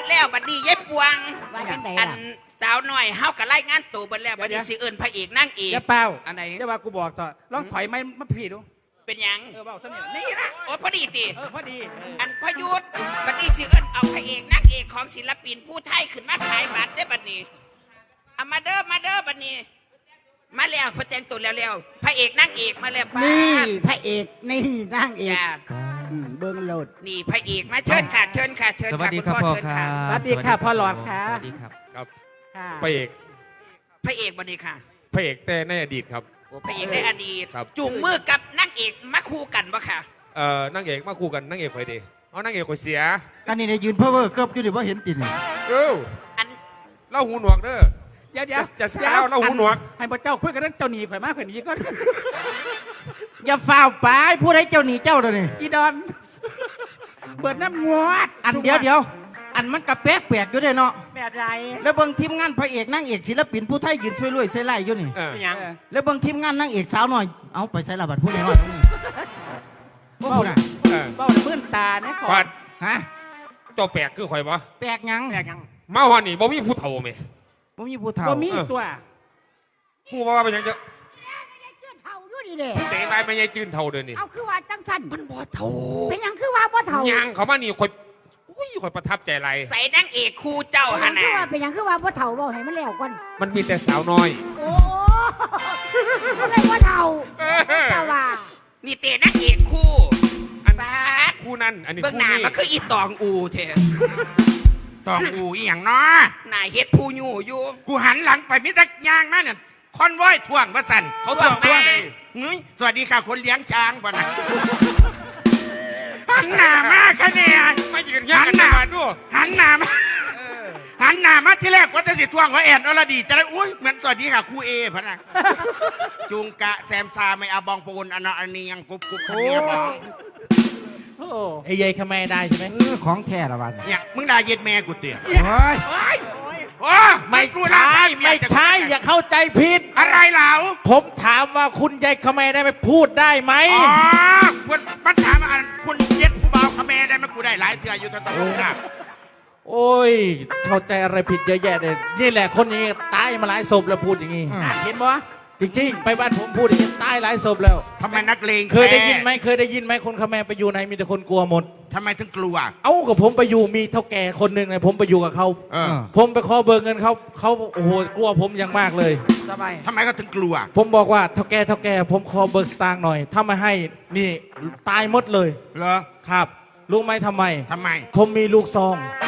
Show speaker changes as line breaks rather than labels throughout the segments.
ดแล้วบัดนี้ยายปวง
ว่าจังได
อั
ล่ะ
นสาวหน่อยเฮากับไล่งานตัวเบิดแล้วบัดนี้สิเอิ้นพระเอกนั่งเอก
จะเป้า
อันไหน
จะว่ากูบอกต่อลองถอยไม่มาพี่ดู
เป็นหยัง
เบาเท่านี้นี่นะ
โอ้พอดีติ
พอดี
อันพยุทธบัดนี้สิเอิ้นเอาพระเอกนั่งเอกของศิลปินผู้ไทยขึ้นมาขายบัตรได้บัดนี้เอามาเด้อบัดนี้มาแล้วพอแต่งตัวแล้วพระเอกนั่งเอกมาแล้วป้า
นี่พระเอกนี่นางเอก
จ้า
เบิ้งโหลด
นี่พระเอกมาเชิญค่ะเชิญค่ะ
สวัสดีครับ
ณ
พ่อ
เชิญ
ครั
ค่ะ
บ
สวัสดีค่ะพ่อหลอดค่ะ
สวัสดีครับ
ครับ
ค่ะ
พระเอก
พระเอกบัดนี้ค่ะ
พระเอกแต่ในอดีตครับ
โอ้พระเอกในอดีต
ครับ
จูงมือกับนั่งเอกมาคู่กันปะค่ะ
นางเอกมาคู่กันนางเอกคอยดีเอานางเอกคอยเสีย
อันนี้ในยืนเพ้อเวอร์เกือบอยู่ดิว่าเห็นตินี่
เออ
อัน
เล่าหูหนวกเด้อ
เดี๋ยว
จะสาวเราหูหนวก
ให้พระเจ้าคุยกันเรื่องเจ้าหนีข่อยมากข่อยหนีก็
อย่าฝ่าวไปผู้ใดเจ้าหนีเจ้าเด้อนี่
อีดอนเบิดน้ำงวด
อันเดียวอันมันกระแปลกแปลกอยู่เด้อเนาะ
แบบไร
แล้วเบิ่งทีมงานพระเอกนางเอกศิลปินผู้ไทยยืนช่วยรวยใส่ไล่อยู่นี่
เออ
ยัง
แล้วเบิ่งทีมงานนางเอกสาวหน่อยเอาไปใส่ละบัดผู้ใดน้อยตรงนี้โอ้โหน่ะ
เออ
เบ้ามื่นตาเนี่ยขอ
ปัด
ฮะ
เจ้าแปลกคือคอยบ่
แปลกหยัง
แตกยัง
มาวันนี้บ่มีผู้เฒ่าไหม
บ่มีผู้เฒ่า
บ่มีตัว
ผู้ว่าเป็นหยังจะ
เท่าอยู่ดิเด้
เตะไปไม่ใช่จืนเท่าเดินนี่
เอาคือว่าจังสัน
มันบ่เท่า
เป็นหยังคือว่าบ่เท่า
ยังเขามานี่คอยอุ้ยคอยประทับใจไร
ใส่นั่งเอกคู่เจ้า
เป็นห
ฮะ
ยัง
นะ
คือว่าเป็นหยังคือว่าบ่เท่าบ่ให้มันแล้วก่อน
มันมีแต่สาวน้อย
โอ้บ่ได้บ่เท่าเจ้าว่า
นี่เตะนั่งเอกคู่
อัน
บาด
คู่นั้นอันนี้
เบื้อง
คู่
หน้า
นี้
มันคืออีตองอูเถอะ
ตองอูอีหยังเนาะ
นายเฮ็ดผู้อยู่อยู่
กูหันหลังไปมิตรยางมาเนี่ยคอนว้อยท่วงว่าสันเขาท่วงมาเฮ้ยสวัสดีค่ะคนเลี้ยงช้างบ่นะหันหน้ามากคะเนี่ย
มายืนยันกันหน้าด้วย
หันหน้ามาหันหน้ามาที่แรกว่าจะสิท่วงว่าแอนอรดีจะได้อุ้ยเหมือนสวัสดีค่ะครูเอพะนะจุงกะแซมซาไม่เอาบองปูนอันนี้ยังกุ๊บคันเนี้ยบอง
โอ้
ไอ้ยัยขแม่ได้ใช่ไหมของแท้ละบัด
เนี่ยมึงด่าเย็ดแม่กูเตี๋ย
โอ้ย
โอ้ไม่ใช่ไม่ใช่อย่าเข้าใจผิดอะไรเหล่า
ผมถามว่าคุณยายขแม่ได้ไปพูดได้ไหม
อ๋อคุณมันถามว่าคุณเย็ดผู้บ่าวขแม่ได้ไหมกูได้หลายเถื่ออยู่ตะตะลุกนะ
โอ้ยเข้าใจอะไรผิดเยอะแยะเลยนี่แหละคนนี้ตายมาหลายศพแล้วพูดอย่างนี้
เห็นบ่
จริงๆ ไปบ้านผมพูดอย่างนี้ตายหลายศพแล้ว
ทำไมนักเลง
เคยได้ยินไหมเคยได้ยินไหมคนขแมรไปอยู่ไหนมีแต่คนกลัวหมด
ทำไมถึงกลัว
เอ้ากับผมไปอยู่มีเท่าแก่คนหนึ่งเลยผมไปอยู่กับเขา
เออ
ผมไปขอเบิกเงินเขาโอ้โหกลัวผมอย่างมากเลย
สบาย
ทำไมก็ถึงกลัว
ผมบอกว่าเท่าแก่ผมขอเบิกสตางค์หน่อย ถ้าไม่ให้นี่ตายหมดเลย
เหรอ
ครับรู้ไหมทำไม
ทำไม
ผมมีลูกซอง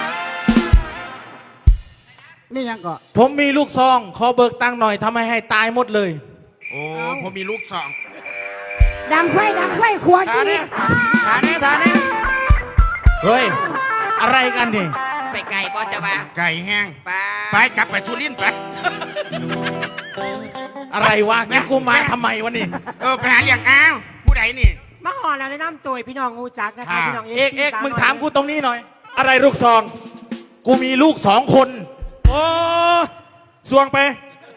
นี่ยังก็
ผมมีลูกซองขอเบิกตังค์หน่อยทำไมให้ตายหมดเลย
โอ้ผมมีลูกสอง
ดังไฟขวดกิน
ฐานนี้
เฮ้ยอะไรกันนี่
ไปไกลบ่จะว่า
ไก่แห้ง
ป้า
ไปกลับไปสุรินทร์ไป
อะไรวะนี่กูมาทำไมวะนี่
ไปหาเลี้ยงอ้าวผู้ใดนี่
มาหอแล้วแนะนำตัวพี่น้องงูจักนะคะ
ค่ะ
พี่น้อง
เอกมึงถามกูตรงนี้หน่อย อะไรลูกซอง กูมีลูก2 คน
โอ้สวงไป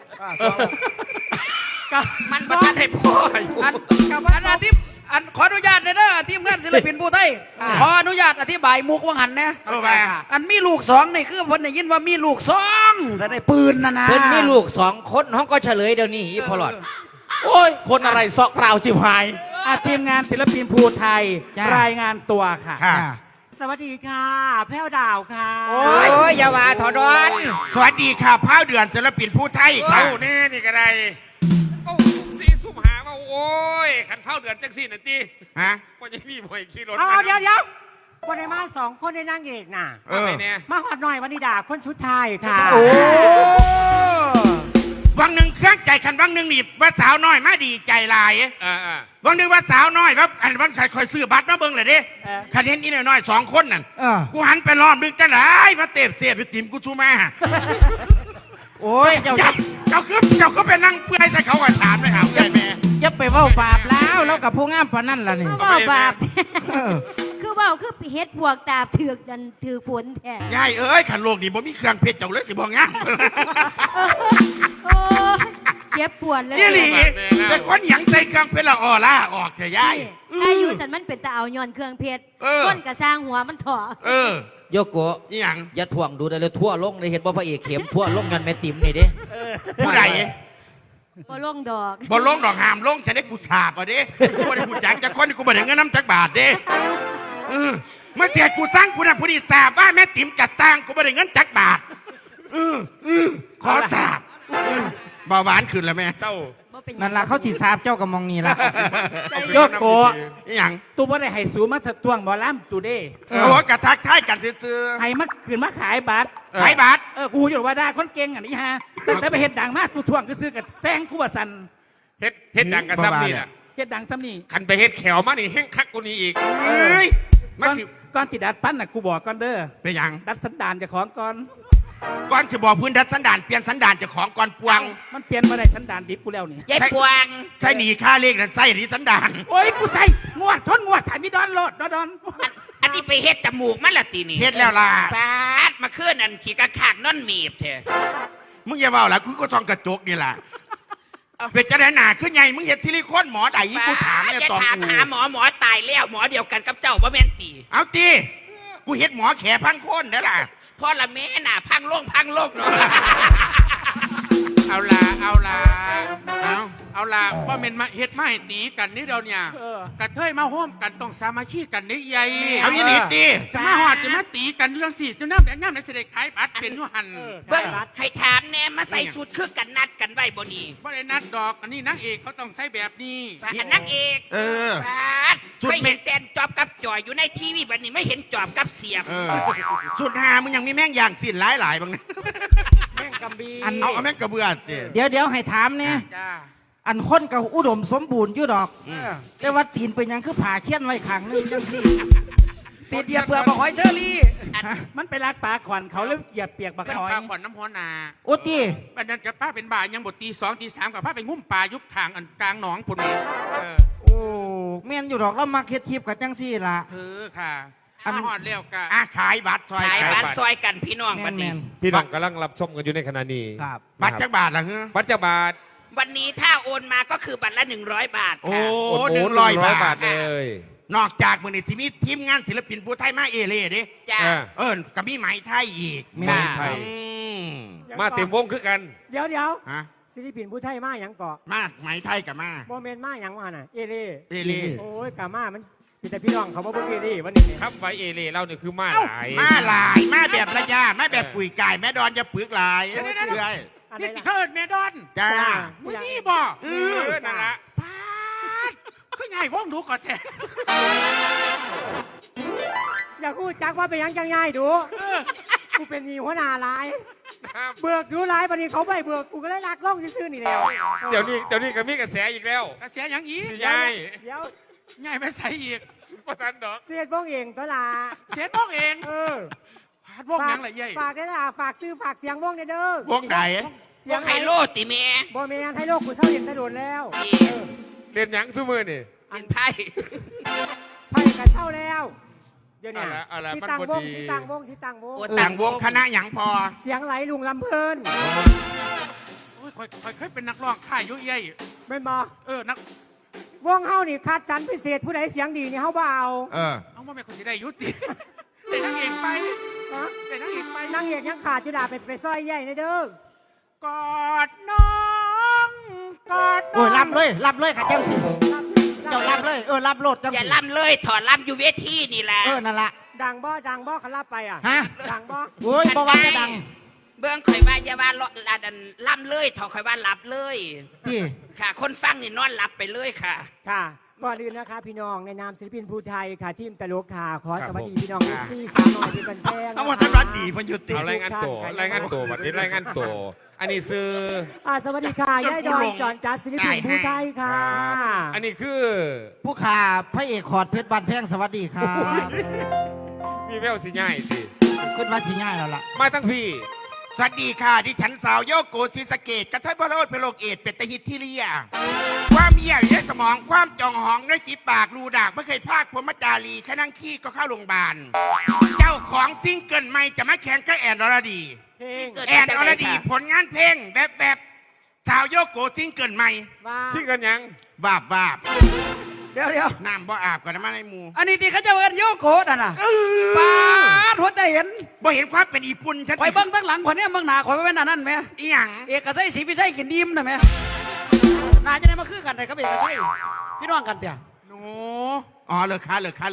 มันบ่ทันให้พ่ออยู่
อันขออนุญาตเด้อทีมงานศิลปินผู้ไทยขออนุญาตอธิบายมุกว่างหันนะ
เอาไป
อันมีลูกสองนี่คือเพิ่นได้ยินว่ามีลูกสองจะได้ปืนนะนะ
เพิ่นมีลูก2 คนห้องก็เฉลยเดี๋ยวนี้อีพอหลอด
โอ้ย คนอะไรซอกเปล่าจิบหาย
ทีมงานศิลปินภูไทย รายงานตัวค่ะ
ค่ะ
สวัสดีค่ะ แพ้วดาวค่ะ
โอ้
โอ้ยอย่าว่าถอดอน
สวัสดีค่ะพ้าวเดือนศิลปินผู้ไทยค่ะ
เอ้าแน่นี่ก็ได้เอ้าซุ่มซีซุ่มหาว่าโอ้ยขันเผาเดือนจังสี่นาที
ฮะ
ว่าจะมีบ่อยขี่รถ
เอาเดี๋ยววันไหนมา2 คนในนางเอกน่ะ
เออ
เนี่ย
มาหอดหน่อยวันนี้ด่าคนสุดท้ายค่ะ
โอ้วังหนึ่งเครื่องใจคันวังหนึ่งนี่ว่าสาวน้อยมาดีใจหลาย วังหนึ่งว่าสาวน้อยครับอันวันใครคอยซื้อบัตรมาเบิ่งเลยเด้คะแนนอีน้อยๆ2 คนนั่นกูหันไปล้อมดึงจังไรมาเตะเสียบอยู่ติมกูชูมา
โอ้ย เจ้า
เจ้าก็ไปนั่งเปื่อยใส่เขาก็ถามเลยครับแม่
อย่าไปเว้าบาปแล้วกับผู้งามพนันล่ะนี่
บ่บาปคือเบาคือเฮ็ดพวกตาถือกกันถือฝนแท้
ยายเอ้ยขันโลกนี่บ่มีเครื่องเพชรเจ้าเลยสิบ่งาม
โอ้ยเจ็บปวดเลย
นี่หลีแต่คนหยังใส่เครื่องเพชรละออล่าออกเถอะยาย
ถ้าอยู่สันมันเป็นตาเอาย้อนเครื่องเพชร
เออ
ก้นกระสร้างหัวมันถอ
เออ
โยโกะ
นี่หยัง
อย่าถ่วงดูได้เลยทั่วลงเลยเห็นว่าพระเอกเข็มทั่วลงยันแม่ติ๋มนี่เด้
ผู้ใด
บ่ลงดอก
บอลลงดอกหามลงจะได้กูฉาบอ่ะเด้กูได้กูจักจะคนกูบ่ได้เงินน้ำจักบาทเด้เมื่อเสียกูสร้างกูน่ะผู้ดีสาบว่าแม่ติ๋มจัดตั้งกูบ่ได้เงินจักบาทขอสาบเบาหวานขึ้นแล้วแม่
เศร้า
บ่เป็นหยัง
นั่นล่ะเขาสิทราบเจ้ากับมองนี่ล่ะ
โยโกะ
นี่หยัง
ตูบ่ได้ให้สูมาถตวงบ่ล้ำตูเด้
เอาหัวกระทักทายกันซื่อ
ให้มาขืนมาขายบัตร
ๆขายบัตร
กูอยู่ว่าได้คนเก่งอันนี้ฮะตั้งแต่ไปเฮ็ดดังมากกูทวงก็ซื้อกับแซงกูว่าสัน
เฮ็ดดังกับซ้ำนี่แหละ
เฮ็ดดังซ้ำนี่
คันไปเฮ็ดแขวมานี่แห้งคักกูนี้อีก
เอ้ย
ก่
มา
อน
สิ
ก่อนที่ดัดปั้นน่ะกูบอกก่อนเด้อ
เป็นหยัง
ดัดสันดานเจะของก่อน
ก่อนจะบอกพื้นดัดสันดานเปลี่ยนสันดานเจะของก่อนปวง
มันเปลี่ยนมาได้สันดานดิบกูแล้วนี่
ยายปวง
ใช่หนีค่าเลขนั่นใส่หนีสันดาน
โอ้ยกูใส่งวดทนงวดถ่ายมีดอนโลดดอน
อันนี้ไปเฮ็ดจมูกมันละตีนี่
เฮ็ดแล้วล่ะ
ปาดมาขึ้นอันขี่กระขากนอนหมีบเถอะ
มึงอย่าเบาละกูก็ส่องกระจกนี่แหละเป็นจะได้หนาขึ้นไงมึงเห็นซิลิโคนหมอใดกูถามเนี่ย
อย่า
ตอง
ถาม
กู
หาหมอตายแล้วหมอเดียวกันกับเจ้าบ่แม่นตี
เอาตีกูเห็นหมอแขพังโคนได้อล่ะ
พ่อละแม่น่ะพังโลกเนาะ
เอาละเอาละว่าเมนมาเฮ็ดมาให้ตีกันนี่เดียวเนี่ยกระเทยมาห้อมกันต้องสามัคคีกันนี่ใหญ่
เอาอีหลีตี
จะมาหอดจะมาตีกันเรื่องสี่จะน้ำแดงน้ำในเสด็จขายบัตรเป็นอยุหัน
เบิ่งให้ถามแน่มาใส่ชุดคือกันนัดกันไว้บ่นี่
เพราะในนัดดอกอันนี้นางเอกเขาต้องใส่แบบนี้
อันนักเอก
เออ
ปาดเคยเห็นแตนจอบกับจอยอยู่ในทีวีบัดนี้ไม่เห็นจอบกับเสียบ
เออสุดหามึงยังมีแม่งอย่างสิ้นหลายบางนะ
แม่งกำบี
เอาแม่งกระเบือสิ
เดี๋ยวให้ถามเนี่ย
จ้า
อันคนกับอุดมสมบูรณ์อยู่ดอก แต่ว่าตีนเป็นหยังคือผ่าเขี้ยนไว้ขังนึงจังซี่
ติดเหยียบเปลือกบอกหอยเชอรี่
มันไปลากปลาขอนเขาแล้วเหยียบเปียกบัก
เป็น
หอย
ปลาขวัญน้ำหัวนา
โอ้ตี
ปัญญาจะป้าเป็นบ่ายยังบทตี2 ตี 3กับป้าไปงุ่มปลายุคทางอันกลางหนองพุ่นนี่
โอ้แม่นอยู่ดอกแล้วมาเฮ็ดทิพย์กับจังซี่ล่ะ
ค่ะ
อัน
มาหอดเร็วกะ
ขายบัตรซอย
ขายบ้านซอยกันพี่น้อง
แม่
บัด
นแม่
นี้
น
พี่น้องกำลังรับชมกันอยู่ในขณะนี้
ครับ
บัตรจักบาทละเฮ้อ
บัตรจะบาท
วันนี้ถ้าโอนมาก็คือบัตรละ100 บาท
โอ้
ค่ะ
100 บาท
เลย
นอกจากมือนี่ที่มีทีมงานศิลปินผู้ไทยมาเอเล่ดิ
จ้า
กับมีไหมไทยอีก
แม่
ค่ะ
ไทย
อืม
มาเต็มวงคือกัน
เดี๋ยว
ฮะ
ศิลปินผู้ไทยมาหยังเกาะ
มาไหมไทยกับมา
โมเมนต์มาหยังว่าน่ะ เอเล่
เอเล่
โอ้ยกามามันมีแต่พี่น้องเขามาเบิ่งเอเล่วันนี้เนี่ย
ครับไฟเอเล่เราเนี่ยคือมาหลาย
มาหลายมาแบบระยะมาแบบปุ๋ยไก่แม่ดอนจะปึกหลายเรื่อย
อันไหน
นี่
ล่ะ
เคิร์ดเมดอน
จ้า
มึงนี่บอก
นั่นละ
ปาดคือไงว่องดูก่อนแท้
อยากพูดจักว่าเป็นหยังจังไงดูกูเป็นหนีหัวหน้าหลาย เบิกดูหลายบัดนี้เขาไม่เบิกกูก็ได้ลักล่องซื่อๆนี่แล้ว
เดี๋ยวนี้ก็มีกระแสอีกแล้ว
กระเสียอย่างอีก
สิยาย
เดี๋ยว
ง่ายไปใส่อีก
ว่าทันดอก
เสียดบ้องเองตัวละ
เสียต้องเอง
เออ
พาดว่องหยังไรเย่
ฝากได้ละฝากซื้อฝากเสียงว่องเด้อ
วงไหน
เสี
พ
ยว ง
กไฮโลติแม่
บ่แม่นให้โลกกูเศร้าเห็นแตะโดนแล้ว
นี่
เรียนหยังซุมือนี่
เป็นไพ่
ไพ่กันเศร้าแล้ว เดี๋ยวเนี้
เอาละ
ที่
มัน
ต่าง
บ่
วง
ดี
ที่ต่างวงที่ต่างวง
โอ้
ต่างวงคณะหยังพอ
เสียงไหลลุงลำเพลิน
โอ้ยคอยเคยเป็นนักร้องข่ายยุ่ยเย่
แม่นบ่
นัก
วงเฮานี่คัดสรรพิเศษผู้ใดเสียงดีนี่เฮาบ่เอา
เอาว่าแม่คนสิได้ยุติแต่นางเอกไป
ฮะ
แต่นางเอกไป
นางเอกยังขาดจุฬาไปซอยใหญ่ในเด้อก
อดน้องกอดน้
โอ้
อย ง
รับเลยค่ะจังซี่เจ้ารับเลยรับโลดจัง
อย่า
ซี่
ล่ำเลยถอดล่ำอยู่เวทีนี่แหละ
นั่นล่ะ
ดังบ่เขารับไปอ่ะ
ฮะ
ดังบ่
โอ้ยบ่ว่าจะดัง
เบื้องข่อยว่าอย่าว่าลาดันล่ำเลยถอดข่อยว่าหลับเลย
ที่
ค่ะ คนฟังนี่นอนหลับไปเลยค่ะ
ค่ะก่อนอื่นนะคะพี่น้องในนามศิลปินภูไทยค่ะทีมตลกค่ะขอสวัสดีพี่น้อง
ครับ
ซี่สาวน้อยที่เป็นแพง
เอาว่าท่านรัฐดีพันยุติ
เอารายงานตัวบัดนี้รายงานตัวอันนี้ซื้อ
สวัสดีค่ะยายดอนจอนจัดศิลปินภูไทยค่ะ
อันนี้คือ
ผู้ขาพระเอกขอดเพชรบานแพงสวัสดีครับ
มีแววสิง่ายสิ
ขึ้นมาสิง่ายแล้วล่ะ
มาตั้งพี่
สวัสดีค่ะดิฉันสาวโยโกศิสะเกตกระเทยบโรดเพโลกเอดเป็ดตะฮิตที่เลียความเหี้ยอยู่ในสมองความจองหองในสีปากรูดากไม่เคยพากพรหมจารีแค่นั่งขี้ก็เข้าโรงพยาบาลเจ้าของซิงเกิลใหม่จะมาแข่งกับแอนอรดี
เพลง
แอนอรดีผลงานเพลงแบบสาวโยโกซิงเกิลใหม่
ว่า
ซิ่งกันยัง
วาบ
เดี๋ยว
น้ำบ่อาบกันนะมาในหมู่
อันนี้ที่เขาจะเอิ้นโยโกะน่ะนะปาดหัวใจเห็น
บ่เห็นความเป็นญี่ปุ่นชัด
ข่อยเบิ่งตั้งหลังข่อยเนี่ยเบิ่งหน้าข่อยว่าเป็นอันนั้นแหม
อีหยัง
เอกชัยศรีวิชัยกินดิมน่ะแหมน่าจะได้มาคือกันได้ครับเอกชัยพี่น้องกันเตี่ย
หนู
อ๋อเลิกค้า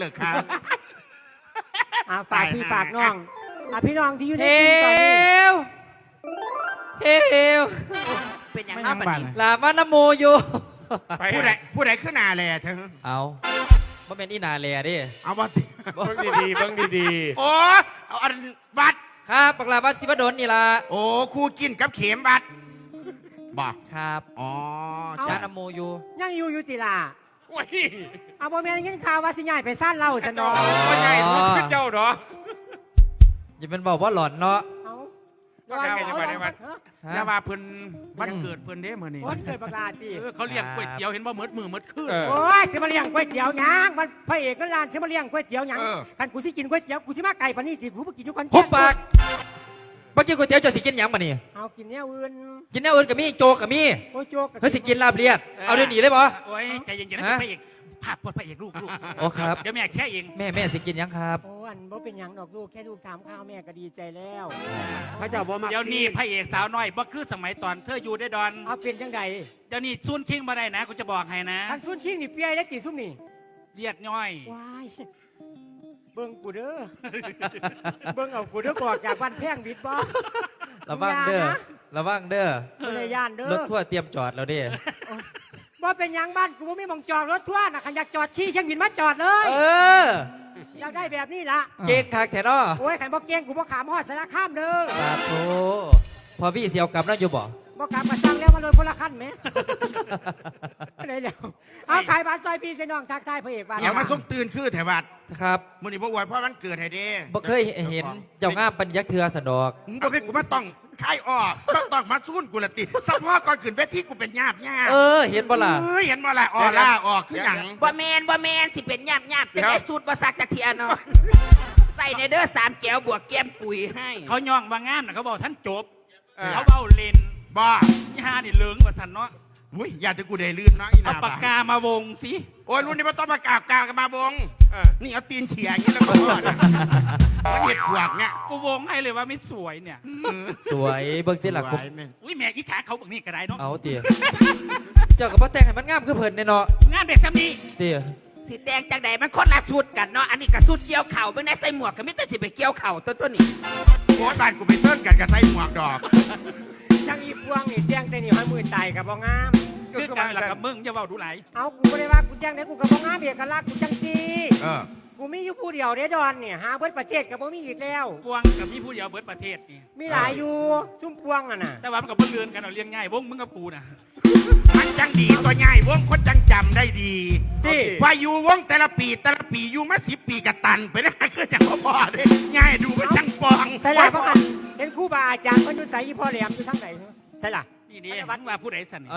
ฝากพี่ฝากน้องพี่น้องที่อยู่ใน
เฮ
ทีมตอนนี้
วเฮว
เป็นอย่าง
ไม่
น้า
นั่ง
บัด
บ้าน
นี้
ลามานะโมอยู่
ไป
ผู้ใดขึ้นหนาแลเธอ
เอาบ่แม่นอีนาแลเดิ
เอาบ่
เบิ้งดีๆเบิ้งดี
โอ้เอาอันวัด
ครับปักลาวัดสิบดลนี่ล่ะ
โอ้ครูกินกับเข็มวัดบอก
ครับ
อ๋อ
จานะโมอยู่
ยังอยู่ติล่ะ
ๆโอ้ย
เอาบ่แม่นยินข่าวว่าสิย้ายไปซ่านเหล่าซะเนาะ
ว่าใหญ่รู้ขึ้นเจ้าเนาะ
อย่าเป็นบอกว่าหลอนเนาะ
เอา
ว่าไงจะไปในวัด
ฮะ
อย่าว่าเพิ่นวันเกิดเพิ่นเด้มื้อนี้
วันเกิดบักลาติ
เขาเรียกก๋วยเตี๋ยวเห็นบ่หมดมือหมดคืน
โอ้ยสิมาเลี้ยงก๋วยเตี๋ยวหยังมันพระเอกก็ร้านสิมาเลี้ยงก๋วยเตี๋ยวหยังคันกูสิกินก๋วยเตี๋ยวกูสิมาไก่ปานนี้สิกูบ่กินอยู่คอน
หุบปากบ่กินก๋วยเตี๋ยวจะสิกินหยังบ่นี่
เอากินแนวอื่น
กินแนวอื่นก็มีโจกก็มี
โอ้ยโจก
เฮ้ยสิกินลาบเลียดเอาเดี๋ยวนี้เลยบ่
โอ้ยใจเย็นๆนะ
ฮะ
พระเอกภาพพระเอกลูก
โอ้ครับ
เดี๋ยวแม่แค่เอง
แม่สิกินหยังครับ
โอ้อันบ่เป็นหยังดอกลูกแค่ลูกถามข้าวแม่ก็ดีใจแล้ว
พระเจ้าบ่มัก
เดี๋ยวนี้พระเอกสาวน้อยบ่คือสมัยตอนเธออยู่ได้ดอน
เอาเป็นจังได
เดี๋ยวนี้ซุนคิงบ่ได้นะกูจะบอกให้นะ
ทางซุนคิงนี่เปียได้กี่ซุ่มนี่
เลียดย่อย
ว้ายเบิ่งกูเด้อ เบิ่งเอากูเด้อบอกจากบ้านแพงวิทย์บ่
ระวังเด้อ
อย่านะ
ระวังเด้อ
บ่ได้ย่านเด้
ร
อ
ถทั่วร์เตรียมจอดแล้วเด้
บ่เป็นหยังบ้านกูบ่มีหมองจอดรถทั่วร์น่ะคันอยากจอดชี้เชียงบินมาจอดเลย
เออ
อยากได้แบบนี้ล่ะ
เก่งคักแท้เนาะ
โอ้ยขันบ่เก่งกูบ่ขามฮอดสารคามเด้อ
ปาโถพอพี่เสียวกลับนั่นอยู่บ่
บ่ขามก็สั่งแล้วมาเลยคนละคันแหม ได้แล้วเอาขายบ้านซอยพี่เสน้องทักทายพระเอกบ้าน
อย่ามาส้มตื่นคือแถววัด
ครับ
มื้อนี้บ่อวยเพราะวันเกิดให้เด้
บ่เคยเห็นเจ้างามปัญญาเทือสนอก
มึงบ่เคยกูมาต้องคายออกต้องมาซุ่นกูละติสักพ่อก่อนขึ้นเวทีกูเป็นญาบ
เออ เห็นบ่ล่ะ
เอ้ยเห็นบ่ล่ะออล่าออกคือหยัง
บ่แมนสิเป็นย่ำจะได้สูตรบ่ซักจากเทียเนาะใส่ในเด้อ3แก้วบวกแก้มกุยให้
เขาย่องว่างามน่ะเขาบอกท่านจบเขาเบ้าเลน
บ่
ยี่ห้านี่เหลืองกว่าสันเนาะ
อุ้ยอย่าจะกูได้ลื่นเนาะอี
เอา
นา
ปากกามาวงสิ
โอ้ยรุ่นนี้มันต้องประกาศกันมาบงนี่เอาตีนเฉียอย่างนี้แล้วก็รอดมันเห็ดหวกเนี่ย
กูวงให้เลยว่าไม่สวยเนี่ย
สวยเบิ่งที่หลัก
สวยแม่
อุ้ยแม่อิจฉาเขาแบบนี้ก็ได้เนาะ
เอาเตี๋ยเจ้ากับพ่อแต่งให้มันงามคือเพิ่นแน่เนาะ
งานเด็กซ้ำนี้
เตี๋ย
สิแตงจังใดมันคนละชุดกันเนาะอันนี้ก็ชุดเกี่ยวเข่าเบิ่งในใส่หมวกก็มีแต่สิไปเกี่ยวเข่าตัวนี้
โอ้ยบ้านกูไปเทิร์นกันกับไส้หมวกดอก
จังอีพวงนี่แจ้งแต่นี่ให้มือตายก็บ่งาม
คือการหลักกับมึงจะเว้าดูไหลาย
เอากูบ่ได้ว่ากูแจ้งได้กูก็บ่งามเอกลักษณ์กูจังซี่
เออ
กูมีอยู่ผู้เดียวเด้ดอนเนี่ยหาเบิดประเทศก็บ่มีอีกแล้ว
พวงกับพี่ผู้เดียวเบิดประเทศนี่
มีหลายอยู่ซุ่มพวงน่ะน่ะ
แต่ว่ามันกับเพื่อนเรือนกันเอาเลี้ยงง่ายวงมึงกับกูน่ะ
มันจังดีตัวใหญ่วงคนจังจำได้ดี
ที่
ว่าอยู่วงแต่ละปีอยู่มา10 ปีกับตันไปได้คือจังพ่อเลยง่ายดูมันจังปอง
ใส่ล่ะพ่อกันเห็นครูบาอาจารย์เพิ่นอยู่ไสอีพ่อแหลมอยู่ทางไหนใส่ล่ะ
นี่ดีวัดว่าผู้ใดสันนี่
เอา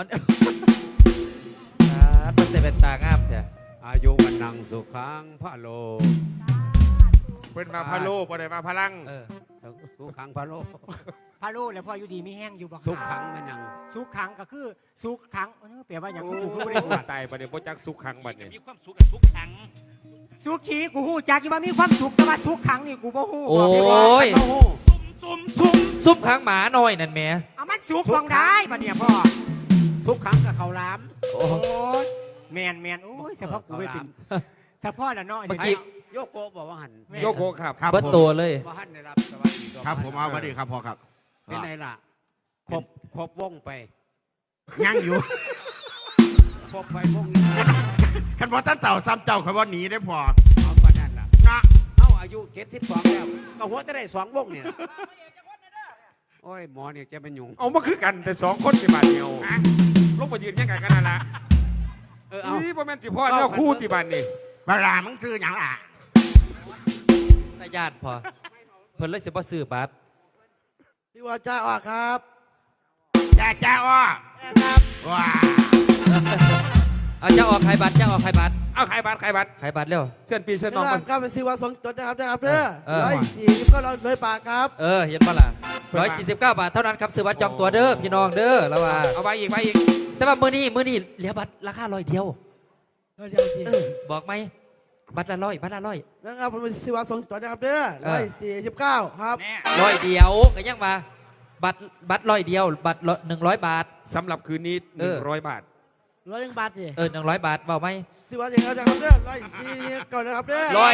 มันเสเป็นตางามแท้
อายุวันนังสุขังพระโล
เพิ่นมาพะโลบ่ได้มาพลัง
เออ
สุขังพระโล
พาโลแล้วพ่ออยู่ดีมีแห้งอยู่บ่
สุขังมันยัง
สุขขังก็คือสุขขังแปลว่าหยังกูคือบ่ได้
ตายบัดนี้บ่จักสุขขังบัดนี้
มีความสุขกับทุกครั้ง
สุขีกูฮู้จักอยู่ว่ามีความสุขแต่ว่าสุขขังนี่กูบ่ฮู้
โอ้ย
ซุ่ม
ซุปค้างหมาหน่อยนั่นแหม่
เอามันสุขบองได้บัดเนี่ยพ่อ
สุขังกับเขาวหล้าม
โอ้
โอ้ยแม่นโอ้ยเฉพาะกูไปถึงเฉพาะละเนาะ
เมื่อกี้
โยโกะบอกว่าหัน
โยโกครับ
ครับ
เบิด
ผม
ตัวเลย
ว่าหันได้รับสวัสดีตัว
ครับผมเอาสวัสดีครับพ่อครับ
เป็นไงล่ะครบวงไป
ยังอยู่
ครบไปวงนี้
คันพอท่านเต่าซ้ำเจ้าเขาว่าหนีได้พอ
เอาปานนั้นล่ะ
นะ
เอาอายุ72แล้วก็หัวจะได้2วงเนี่ยโอ้ยหมอเนี่ยจะเป็นยุง
เอามาคือกันแต่2คนที่บาดเดียวลงไปยืนยังกันกันนั่นล่ะ
เอา
นี่บ่แม่นสิพ่อแนวคู่ที่บ้านนี่
เวลามึงซื้ออย่างล่ะ
ตาญาติพอเพิ่นเลยสิบ่ซื้อบัตร
ที่ว่าจ้าออกครับ
จ้าอ้อ
ครับ
ว้า
เอาจะออกขายบัตรจะออกขายบัตร
เอาขายบัตรขายบัตร
ขายบัตรเร็ว
เชิญพี่เชิญน้
น้
อ
อง ง
มา
ก็เป็นสิวาสงจดนะครับเด้อ
เออ
140ก็เราเลยปากครับ
เออเห็นปะล่ะ 149 บาทเท่านั้นครับซื้อบัตรจองตัวเด้อพี่น้องเด้อแล้วว่า
เอาไปอีก
แต่ว่ามื้อนี้เหลือบัตรราคา100เดียวบอกไหมบัตรละ100บัตรละ100
นะครับผมซื้อว่า2ตัวนะครับเด้อ149ครับ
แน่
100เดียวก็ยังมาบัตร100เดียวบัตร100 บาท
สำหรับคืนนี้ 100 บาท
100 บาทดิ
100 บาทบอกไหม
ซื้อว่าอย่างเดียวนะครับเด้อ149นะครับเด้อ
ร้อย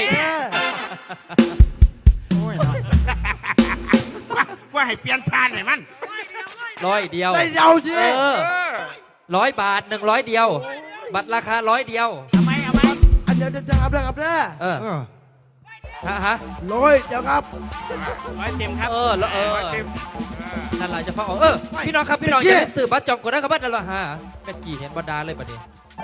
โอ้ยเนาะ
ว่าให้เปลี่ยนผ่านให้มัน
100เดียว
ได้เดียวดิ
100 บาท100เดียว บัตรราคา100เดียว
เอาไหม
อันเดียวจะครับเด้อครับเด้อ
ฮะ
100เดี๋ยวครับ
ร้อยเต็มครับ
นั่นแหละจะฟังพี่น้องครับพี่น้องอย่าลืมซื้อบัตรจองก่อนนะครับบัตรละฮะแม่กี่เห็นบรรดาเลยบัดนี้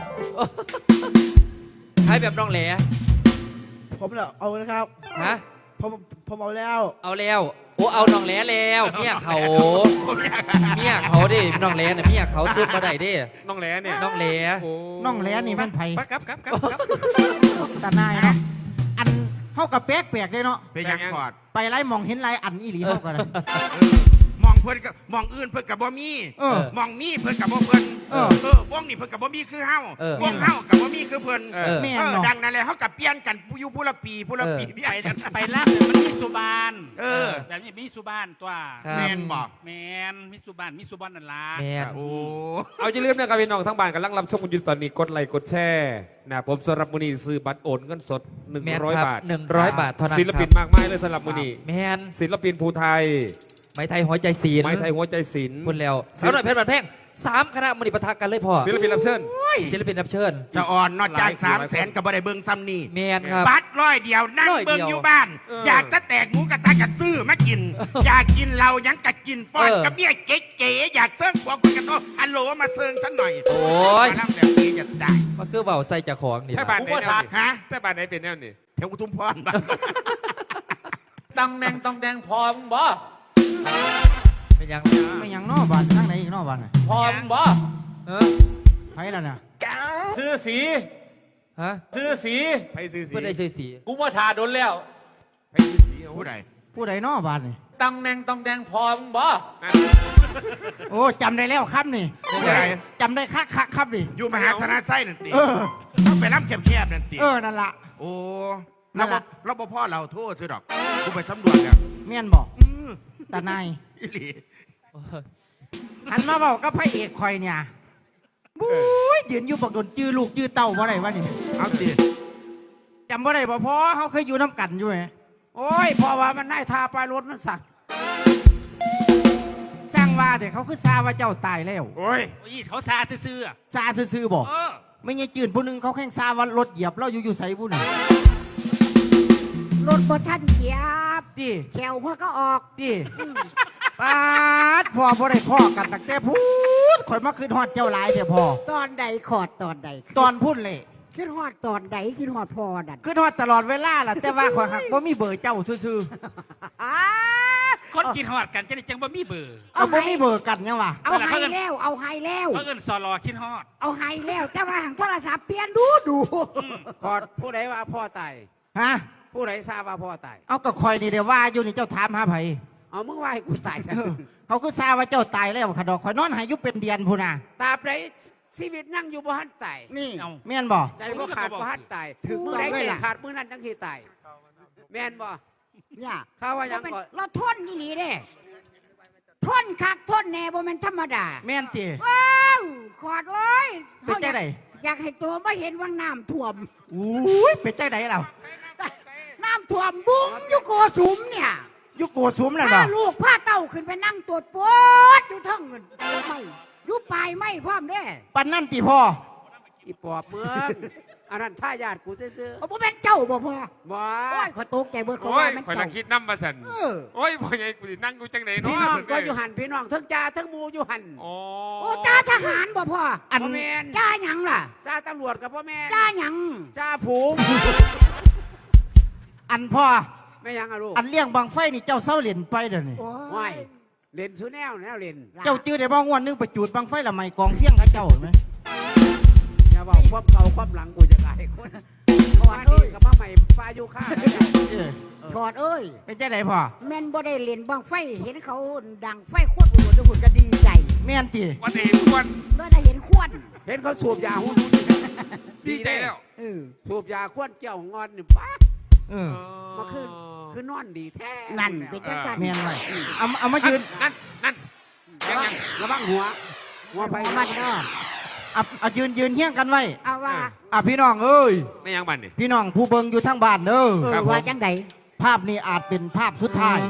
ใช้แบบน้องแหล่
ผมเนี่ยเอานะครับ
ฮะ
ผมเอาแล้ว
เอาแล้วโอ้เอาน้องแหล่แล้วเมียเขาดิน้องแหล่เนี่ยเมียเขาซุดมาได้ดิ
น้องแหลเนี่ย
น้องแหล่
โอ้
น้องแหลนี่มันไผ
ครับ
ตาหนายเนาะอันเฮากับแปลกๆเลยเนาะ
ไปยังกอด
ไปไล่มองเห็นไล่อันอีหลีเฮากัน
มองเพิ่นกับมองอื่นเพิ่นกับบ่มี มองมีเพิ่นกับบ่เพิ่นวงนี่เพิ่นกับบ่มีคือเฮาวงเฮากับบ่มีคือเพิ่น
แม่นเนาะ
ดังนั้นแหละเฮากับเปลี่ยนกันอยู่ผู้ละปีเปลี่ยนกัน
ไปล่างเนี่ยมันมีสุบาน แบบนี้มีสุบานตัว
แม่นบ่
แมนมีสุบานนั่นล่ะ
แมน
โอ้
เอาอย่าลืมนะครับพี่น้องทั้งบ้านกำลังรับชมกันอยู่ตอนนี้กดไลค์กดแชร์นะผมสำหรับมือนี้ซื้อบัตรโอนเงินสด
แมนครั
100 บาท
100 บาทเท่านั้น
ศิลปิน
ครับ
มากมายเลยสำหรับมือนี้
แมน
ศิลปินภูไทย
ไม้ไทยหัวใจศีล
ไม้ไทยหัวใจศิลป์
พูดแล้วสาวหน่อยเพชรบันแพง3 คณะมณีปะทะกันเลยพ่อ
ศิลปินรับเชิญ
ศิลปินรับเชิญ
จะอ่อนนอกจาก300,000กับบ่ได้เบิ่งซ้ำนี่
แมนครับ
บัตร100เดียวนั่ง
100
เบิ่ง
เดียว
อยู่บ้าน อยากจะแตกหมูกระทะกะซื้อมากิน อยากกินเรายังกะกินป้อนกับเมียเก๋ๆอยากเซิร์ฟหัวคนกระโตฮัลโหลมาเซิร์ฟฉันหน่อย
โอ้ย
มานั่งแบบนี้จะได้
ก็คือเบาใส่จากของนี่
แค่
ล่ะ
บ้านไหนแนวนี่
ฮะ
แต่บ้านไหนเป็นแนวนี่
แถวอุทุมพรบ้าน
ตังแดงต้องแดงพอมึงบ่
เป็นยัง
ไม่ยังนอกบ้านนั่งไหนอีกนอกบ้านน่ะ
พอมึงบ่
ไผล่ะเนี่ย
ซื้อสี
ฮะ
ซื้อสี
ไปซื้อสี
เพื่อได้ซื้อสี
กูว่าทาโดนแล้ว
ไปซื้อสีเอา
ผู้ใด
ผู้ใดนอกบ้านนี่
ตังแดงต้องแดงพอมึงบ่
โอ้จำได้แล้วครับนี่
ผู้ใด
จำได้คักครับนี่
อยู่มหาธนาไส้นั่นติ
เออ
ต้องไปน้ำแคบๆนั่นติ
นั่นล่ะ
โอ้
นั่นล่ะ
เราบ่พ่อเราโทษซื้อดอกกูไปสำรวจแล้ว
แม่นบอกตาหนาย
อีหลี
หันมาบอกกับพระเอกคอยเนี่ยบุ้ยยืนอยู่บักโดนจื้อลูกจื้อเต่าบ่ได้วะนี่
เอาติ
จำบ่ได้บ่พอเขาเคยอยู่น้ำกันอยู่ไหม
โอ้ยพอว่ามันได้ทาปลายรถมันสั่ง
สร้างว่าแต่เขาคือซาว่าเจ้าตายแล้ว
โอ้ย
โอ้ยเขาซาซื่อๆอะ
ซาซื่อๆบอก
เออ
ไม่ใช่จืนผู้หนึงเขาแข่งซาว่ารถเหยียบเราอยู่ใส่ผู้หนึง
รถบ่ทันเหยียบ
ตี
แขวหัวก็ออก
ตีปาดพ่อบ่ได้พ่อกันตั้งแต่พูดข่อยมาคืนฮอดเจ้าหลายเถอะพ่อ
ตอนใดขอดตอนใด
ตอนพูดเลย
คิดฮอดตอนใดคิดฮอดพอดัน
คืนฮอดตลอดเวลาล่ะแต่ว่าข่อยหักบ่มีเบอร์เจ้าซื่อ
คนกินหอดกันจะได้จังบ่มีเบอร์
ๆก็บ่มีเบอร์กันยังวะ
เอาไฮแล้วเอาไฮแล้ว
เพราะเอินสอรอกินหอด
เอาไฮแล้วแต่ว่าหางโทรศัพท์เปลี่ยนดู
พอผู้ใดว่าพ่อตาย
ฮะ
ผู้ใดทราบว่าพ่อตาย
เอากับคอยนี่เดี๋ยวว่าอยู่นี่เจ้าถามหาไผ
เอามึงว่าให้กูตายซะ
เออเขาคือซาว่าเจ้าตายแล้วขะดอกคอยนอนหายอยุเป็นเดือนพูน่ะ
ตราบใดชีวิตนั่งอยู่บ่หันตาย
นี่
เอา
แม่นบ่
ใจบ่ขาดบ่หันตาย ถึงมือใดใจขาดมือนั้นจังสิตายแม่นบ่
เนี่ย
ข้าว่ายังก่อน
เราทนนี่หลีเด้ทนคักทนแน่บ่แม่นธรรมดา
แม่นติ
ว้าวขอดโอ้ย
เป็นจังได
อยากให้ตัวไม่เห็นว่างน้ำท่วม
อุ้ยเป็นจังไดเรา
น้ำท่วมบุ้งอยู่โกสุมเนี่ย
ยุโกสุมนั่น
พา
บ่
ลูกพาเต้าขึ้นไปนั่งตรวจปวดอยู่เทั้งเงินไม่อยู่ปลายไม่พร้อมเด้
ปันนั่นติพ่อ
อีปอบเมืองอันนั้นท่ายาดกูซื่อ
โอ้บ่แม่นเจ้าบ่พ่อ
ๆบ่
โอ้ยขอตกใจเบิดเขา
โอ้ย
ว่าแม่น
คอยนั่
เจ้าง
คิดน้ำมาสั่นโอ้ยพ่อใหญ่กูสินั่งกูจังไหนเนาะ
พี่น้องก็อยู่หันพี่น้องทั้งจ่าทั้งหมูอยู่หัน
อ๋อ
โอ้จ้าทหารบ่พ่อ
อันแมน
จ้าหยังล่ะ
จ่าตำรวจกับพ่อแม่น
จ้าหยัง
จ่าฝูง
อันพ่อ
ไม่ยังอะลูก
อันเลี้ยงบังไฟนี่เจ้าเศร้าเหรียญไปเดี๋ยวนี้
โอ้
ว้ายเล่นซูแนวแนวเล่น
เจ้าจื้อได้บ่งวดหนึงไปจูดบังไฟละไม่กองเฟี้ยงกับเจ้าเห็นไหม
อย่าบอกความเก่าความหลังกูจะกลายคน
ถอดเอ้ย
กับมาใหม่ปลาอยู่ข้าง
ถอดเอ้ย
เป็นจังไดพ่อ
แม่นบ่ได้เล่นบังไฟเห็นเขาดังไฟขวดหัวทุกคนก็ดีใจ
แม่นติ
วันนี้ทุกวัน
เมื่อได้เห็นขวด
เห็นเขาสูบยาหุ่น
ดีใจแล้ว
สูบยาควนเจ้างอนนี่ป้า
เออ
มาคือนอนดีแท้
นั่นเป็นจังกัน
แม่นไว้เอามายืน
นั่นยัง
ระวังหัวไป
มันก็
เอายืนเฮี้ยงกันไว้
เอาว่า
พี่น้องเอ้ย
ไม่ยังบันนี่
พี่น้องผู้เบิ่งอยู่ทางบ้านเด้อ
ว่าจังได
ภาพนี้อาจเป็นภาพสุดท้าย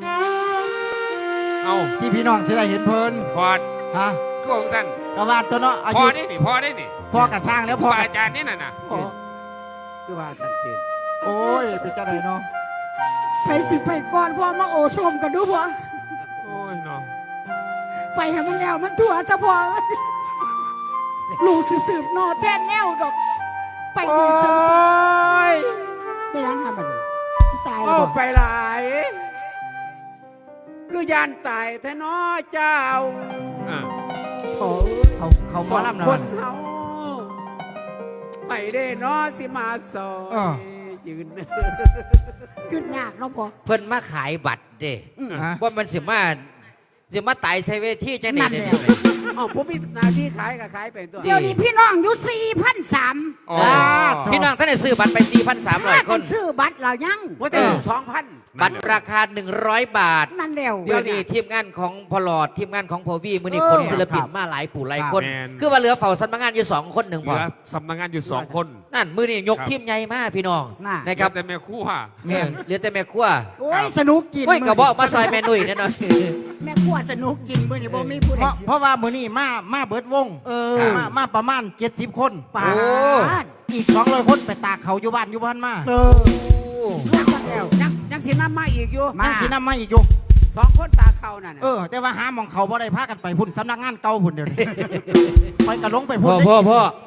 เอา
ที่พี่น้องสิได้เห็นเพิ่น
พอด
ฮะ
ก็ของสั้น
กว่าตัวเนาะอา
พอ
ยุ
ได้นี่พอได้นี่
พ่อกะสร้างแล้ว
ครู
พ่อบ
าอาจารย์นี่น่ะนะ
คือว่าชัดเจน
โอ้ยเป็นจังไดเนาะ
ไปสิไปก่อนพ่อมาโอชมกันดูพ่อ
โอ้ยเนาะ
ไปให้มันแล้วมันทั่วจะพ่อลูกสิสืบนอแท้แนวดอก ไป
โอ้
ดีถึง
ย
ไม่ยังทำมันสิตาย
โอ้
บ่
ไปหลายคือยานตายแท้น้อเจ้า
อ่ะ
โอ้
เขาหม
ส
อ
อง
ลำนะ
คนเฮาไปได้น้อสิมาสอ
เออ
ยืน
ขึ้นยากเนาะพ่อ
เพิ่นมาขายบัตรเด้
ฮะ
ว่ามันสิมาตายใช้เวทีจัง
นั่
ได๋
นแหละ
เด้
อ๋อผมมีหน้าที่ขายก็ขายไปตัว
เดี๋ยวนี้พี่น้องอยู่4,300
อ๋อ
พี่น้องท่านได้ซื้อบัตรไป 4,300 ค
คน นซื้อบัตรเรายัง
ว่าแต่2,000
บัตรราคา 100 บาท
นั่นแล้ว
เดี๋ยวนี้ทีมงานของพอลอดทีมงานของพอวีมือนี้
เออ
คนศิลปินมาหลายปู่หลายคน
แม่น
คือว่าเหลือเฝ้าสำนักงานอยู่2 คนหนึ่ง
เห
พ
ลื
อ
อสำนักงานอยู่2 คน
นั่นมือนี้ยก
ครับ
ทีมใหญ่มากพี่น้อง
น่ะ
นะครับ
แต่แม่ครู่ค่ะ
แม่เหลือแต่แม่ครัว
โอ้ยสนุกกิน
โอ้ยกระบอกมาซอยแม่นุ่ยแน่นอน
แม่ครัวสนุกกินมื้อนี้บ่มีผู้ใด
เพราะว่ามื้อนี้มาเบิดวงมาประมาณ70 คน
ปา
โอ้
ด
อีก200 คนไปตากเขาอยู่บ้านอยู่บ้านมา
เลิกกันแล้ว
ยังสิน้ำมาอีกอยู่
ยังสินำมาอีกอยู่
2 คนตาเขานั่นน่ะ
แต่ว่าหาหมองเขาบ่ได้พากันไปพุ่นสำนักงานเก่าพุ่นเดี๋ยวนี้ ไปกระลงไป
พ่
พุ่
อน พ่อพ่อ